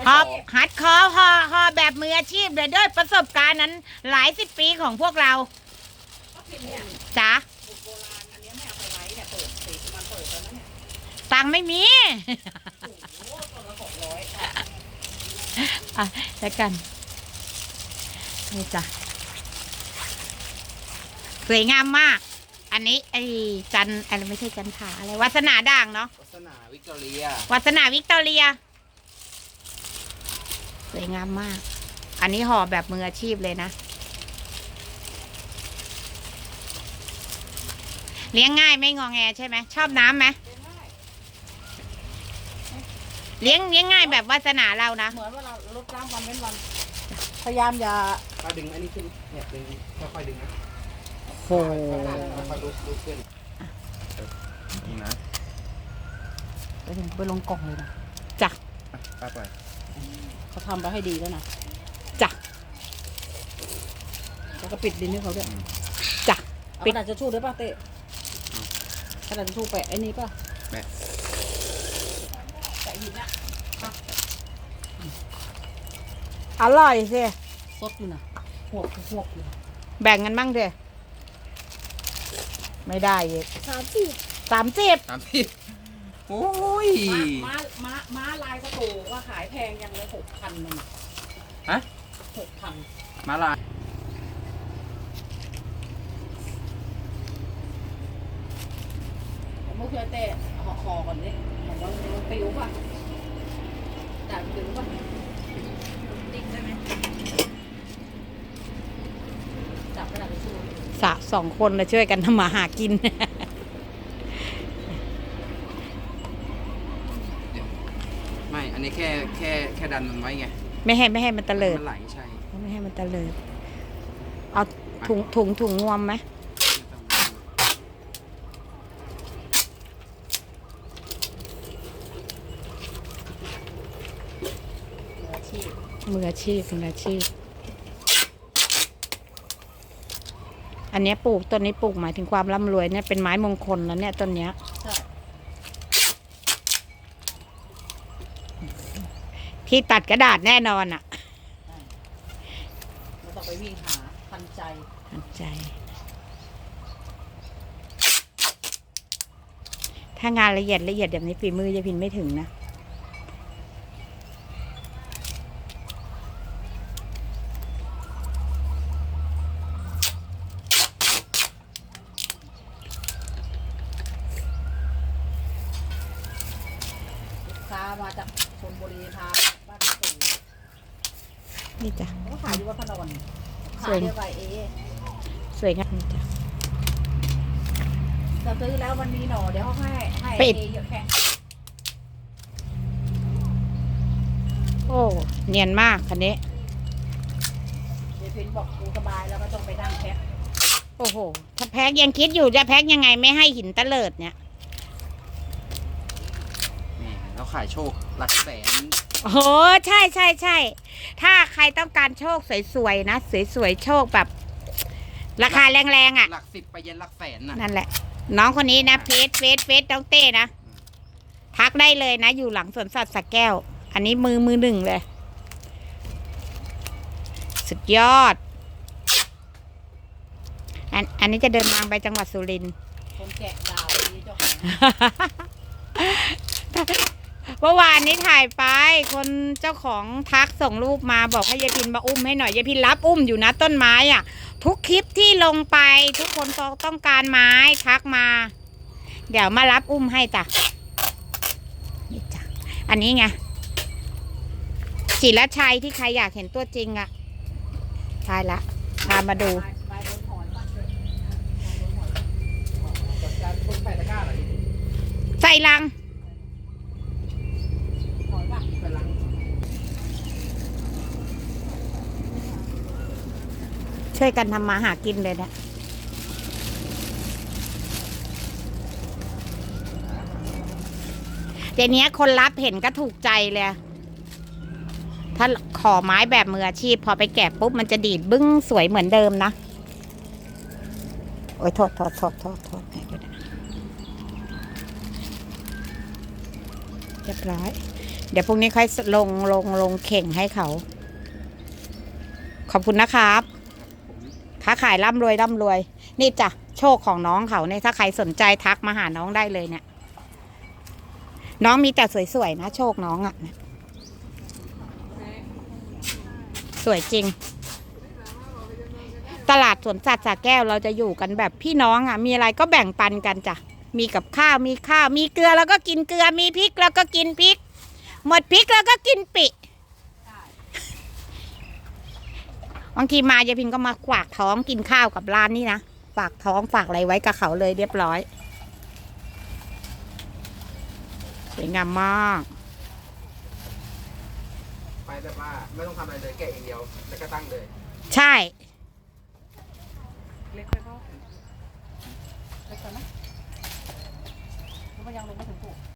หอบหัดคอหอแบบมืออาชีพเลยด้วยประสบการณ์นั้นหลายสิบปีของพวกเราจ๋าตังค์ไม่มีอ่ะแล้วกันนี่จ้ะสวยงามมาก อันนี้ไอ้จันอะไรไม่ใช่จันผาอะไรวาสนาด่างเนาะวาสนาวิกตอเรียวาสนาวิกตอเรียสวยงามมาก อันนี้ห่อแบบมืออาชีพเลยนะเลี้ยงง่ายไม่งอแงใช่ไหมชอบน้ำไหมเลี้ยงง่ายแบบวาสนาเรานะเหมือนว่าเราลดน้ำวันเว้นวันพยายามอย่าถ้าดึงอันนี้ขึ้นเนี่ยดึงค่อยๆดึงนะโอ้โหค่อยๆลุกขึ้นนี่นะไปลงกล่องเลยนะจ้ะป้าปล่อยเขาทำไปให้ดีแล้วนะจ้ะแล้วก็ปิดดินให้เขาด้วยจ้ะเอากระดาษจะชู่ด้วยป่ะเต้กระดาษจะชู่แปะไอ้นี่ป่ะแม่แปะหินอะอร่อยสิซดอยู่นะหวกอยู่แบ่งกันบ้างเถอะไม่ได้อีก30 ตามที่โอ้ยม้าลายกระโถว่าขายแพงยังเลย6,000นึงฮะ 6,000 มาลายเมื่อคืนเต้ห่อก่อนนี่บอกว่ามันปิวป่ะแต่ปิวป่ะติ๊กได้ไหมจับกระดาษทิชชู่ 2 คนนะช่วยกันทำมาหากินไม่อันนี้แค่ดันมันไว้ไงไม่ให้มันตะเลิดมันไหลใช่ไม่ให้มันตะเลิดเอาถุงงวมไหมมืออาชีพอันนี้ปลูกต้นนี้ปลูกหมายถึงความร่ำรวยเนี่ยเป็นไม้มงคลแล้วเนี่ยต้นเนี้ยใช่ที่ตัดกระดาษแน่นอนอ่ะไม่ต้องไปวิ่งหาทันใจทันใจ ถ้างานละเอียดแบบนี้ฝีมือยายพินไม่ถึงนะค้ามาจากชลบุรีพาบ้านตู่นี่จ้ะก็ขายอยู่วัดพระนอนขายเดียวกับเอสวยงามนี่จ้ะจะซื้อแล้ววันนี้หนอเดี๋ยวเขาให้ปิดเอเยอะแค่โอ้เนียนมากคันนี้เดี๋ยวพินบอกกูสบายแล้วก็ต้องไปนั่งแพ็คโอ้โห ถ้าแพ็กยังคิดอยู่จะแพ็กยังไงไม่ให้หินตะเลิดเนี่ยนี่แล้วขายโชคหลักแสนโอ้โห ใช่ ถ้าใครต้องการโชคสวยๆนะ สวยๆ โชคแบบ ราคาแรงๆอ่ะหลัก10ไปยันหลักแสนน่ะนั่นแหละ น้องคนนี้นะเฟซน้องเต้นะ ทักได้เลยนะ อยู่หลังสวนสัตว์สระแก้ว อันนี้มือหนึ่งเลย สุดยอด อันนี้จะเดินทางไปจังหวัดสุรินทร์คนแกะดาวนี้เจ้าของเมื่อวานนี้ถ่ายไปคนเจ้าของทักส่งรูปมาบอกให้ยายพินมาอุ้มให้หน่อยยายพินรับอุ้มอยู่นะต้นไม้อ่ะ ทุกคลิปที่ลงไปทุกคนต้องการไม้ทักมา เดี๋ยวมารับอุ้มให้จ้ะนี่จ้ะอันนี้ไงศิลชัยที่ใครอยากเห็นตัวจริงอ่ะใช่ละพามาดูไปบนหอนบ้านเลยจัดการคนใส่ตะกร้าเหรอใส่ลังหอนบ้านใส่ลังช่วยกันทำมาหากินเลยนะเดี๋ยวนี้คนรับเห็นก็ถูกใจเลย ถ้าขอไม้แบบมืออาชีพ พอไปแกะปุ๊บมันจะดีดบึ้งสวยเหมือนเดิมนะ โอ้ยโทษให้ด้วยนะเรียบร้อยเดี๋ยวพรุ่งนี้ค่อยลงเข่งให้เขา ขอบคุณนะครับค้าขายร่ำรวยนี่จ้ะโชคของน้องเขาเนี่ยถ้าใครสนใจทักมาหาน้องได้เลยเนี่ย น้องมีแต่สวยๆนะโชคน้องอะ่ะสวยจริง ตลาดสวนสัตว์สระแก้วเราจะอยู่กันแบบพี่น้องอะ่ะ มีอะไรก็แบ่งปันกันจ้ะมีกับข้าวมีเกลือแล้วก็กินเกลือมีพริกแล้วก็กินพริก หมดพริกแล้วก็กินปิบางทีมายายพินก็มาฝากท้องกินข้าวกับร้านนี้นะฝากท้องฝากอะไรไว้กับเขาเลยเรียบร้อยสวยงามมากไปแบบว่าไม่ต้องทำอะไรเลยแกะอย่างเดียวแล้วก็ตั้งเลยใช่เล็กไปเปล่าเล็กไปไหมหรือว่ายังลงไม่ถึงปู